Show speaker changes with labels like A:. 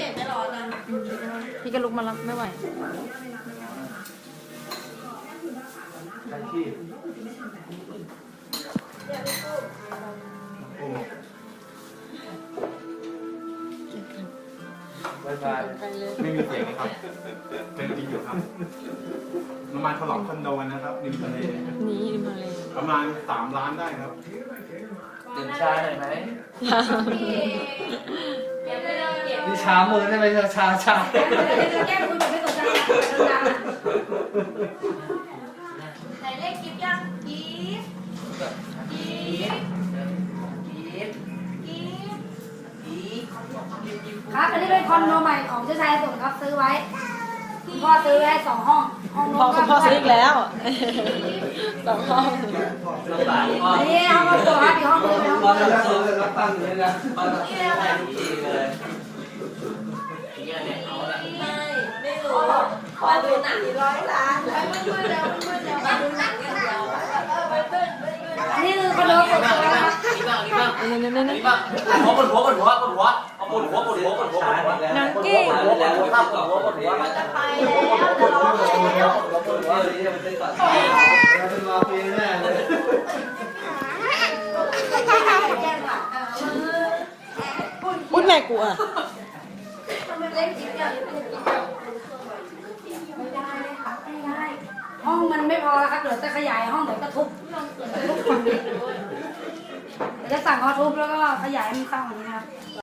A: จ็บไม่ร้อนนะ
B: พี่ก็ลุกมาแล้วไม่ไหว
C: ใช้ขี้บายบายไม่มีเสียงนะครับเป็นจริงอยู่ครับน้ำมันฉลองคอนโดนะครับริมทะเล
B: นี่ริมทะเล
C: ประมาณ3 ล้านได้ครับ
D: ดื่มชาหน่อยไหม
E: นี่ช้ามือได้ไหมชา
A: แก้มือไม่สนใจไหนเลขกิ๊บยังกิ๊บครับอันนี้เป็นคอนโดใหม่ของเจ้าชายสนครับซื้อไว้คุณพ่อซื้อไว้2 ห้อง
B: พ่อคุณพ่อซื้ออีกแล้ว2 ห้อง
D: ลำบากพ่อ
A: อันนี้ห้องครอบครัวครับอีกห้องนึงเป็นห้อง
E: ตอน
A: ครัว
E: นั้นเรารับตั้งอยู่เลยนะ
D: พ่อต้องให้ทุกทีเลยอย่างเงี้ยเนี่ยเอาละ
A: ไม่รู้มาดูหนัง100 ล้านมืดแล้วมาดูหนังอย่างเดียวอันนี้คือคอนโดส่วนตัวครับ
D: นี่บ้างนี่บ้าง
B: นั่น
D: นี่บ้างหัวปวดหัวเอาปวดหัวปวดหัว
B: นางเก้ง
E: แล้วข้าวปวดหัวปวดหัว
A: จะไปแล้วจะร้องแล้ว
E: ปวดหัวเลยมันเป็นก่อนเป็นมาปีแน่เลย
B: พูดแม่กูอ่ะ
A: เล่นจิ๊บอย่างนี้ไม่ได้เลยค่ะไม่ได้ห้องมันไม่พอแล้วครับเดี๋ยวจะขยายห้องเดี๋ยวก็ทุบฝั่งนี้เดี๋ยวจะสั่งเขาทุบแล้วก็ขยายมันสร้างอย่างนี้